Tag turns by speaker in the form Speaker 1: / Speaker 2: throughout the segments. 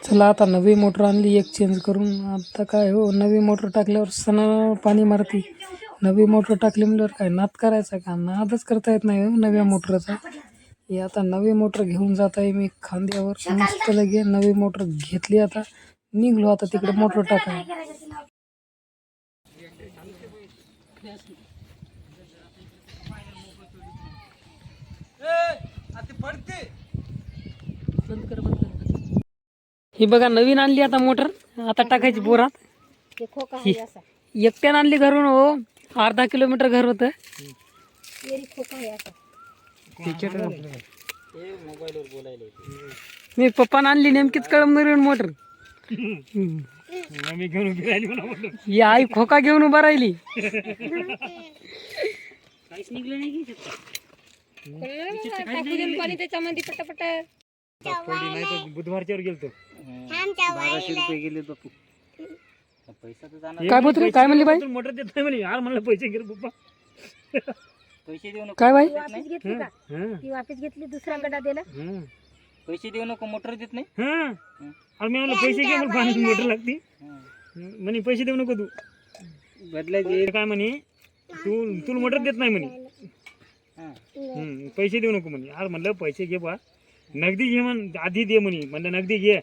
Speaker 1: चला आता नवी मोटर आणली एक चेंज करून. आता काय हो, नवी मोटर टाकल्यावर सणा पाणी मारती. नवी मोटर टाकली म्हणल्यावर काय नाद करायचा का? नादच करता येत नाही हो नव्या मोटरचा. हे आता नवी मोटर घेऊन जात आहे मी खांद्यावर. मस्त लगे नवी मोटर घेतली. आता निघलो आता तिकडे मोटर टाकाय. ही बघा नवीन आणली आता मोटर. आता टाकायची बोरात. एकट्यानं आणली घरून हो. अर्धा किलोमीटर घर होतं. मी पप्पानं आणली नेमकीच कळमनुरीहून मोटर. ही आई खोका घेऊन उभा राहिली. बुधवारच्या गेलतो. 1200 रुपये गेले बापू. काय बोलतो काय म्हणली बाई? मोटर देत नाही म्हणे. यार म्हणलं पैसे घे पप्पा. पैसे देऊ नको. काय बाई? वापस घेतली का? ती वापस घेतली, दुसरा गड्डा दिला. पैसे देऊ नको, मोटर देत नाही. आणि मी म्हणलं पैसे घे, मला पाणी मोटर लागती. म्हणे पैसे देऊ नको तू बदलायचे. काय म्हणे तू मोटर देत नाही म्हणे. पैसे देऊ नको म्हणे. यार म्हणलं पैसे घे बा, नगदी घे म्हण, आधी दे म्हणे. म्हणलं नगदी घे.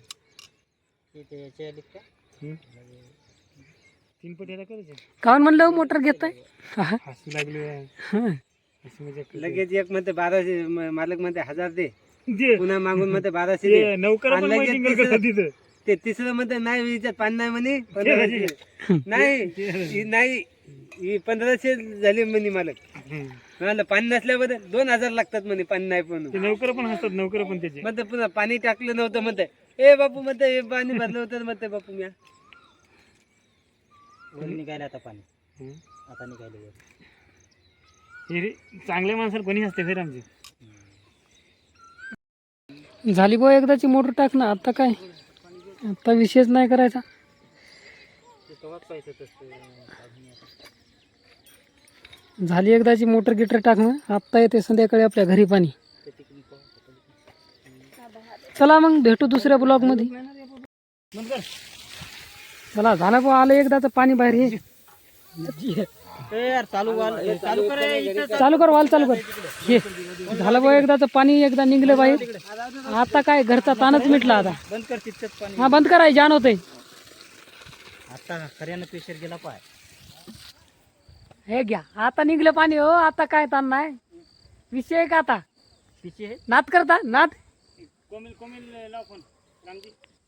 Speaker 1: तीन पट करायचे काऊन म्हणलं मोटर घेताय. हसू लागले लगेच. एक म्हणते 1200, मालक म्हणते 1000 दे, पुन्हा मागून म्हणते 1200 दे. नौकर ते तिसरं म्हणते नाही विचार पाणी नाही म्हणे. 1500 नाही 1500 झाले म्हणे मालक. म्हणाल पाणी नसल्याबद्दल 2000 लागतात म्हणे. पाणी नाही पण नौकर पण असतात. नौकर पण त्याचे म्हणते पुन्हा पाणी टाकलं नव्हतं म्हणते. ए बापू म्हणते पाणी भरलं होतं म्हणते बापू. म्या निघायला आता पाणी. आता निघायला चांगल्या माणसाला कोणी असते फिर आमची. झाली बो एकदाची मोटर टाक ना. आता काय, आता विशेष नाही करायचा. झाली एकदाची मोटर गिटर टाकणं. आत्ता येते संध्याकाळी आपल्या घरी पाणी. चला मग भेटू दुसऱ्या ब्लॉग मध्ये. चला झालं बो, आलं एकदाच पाणी बाहेर. हे चालू कर वाल चालू कर. हे झालं बो एकदाच पाणी, एकदा निघलं बाहेर. आता काय घरचा ताणच मिटला. आता बंद कर तिथच पाणी. हा बंद कराय जाण होतंय. आता खऱ्यानं प्रेशर गेला पाय. हे घ्या आता निघलं पाणी हो. आता काय ताण नाही. विषय का आता विषय नाद करता नाद. कोमिल लाव फोन रामजी.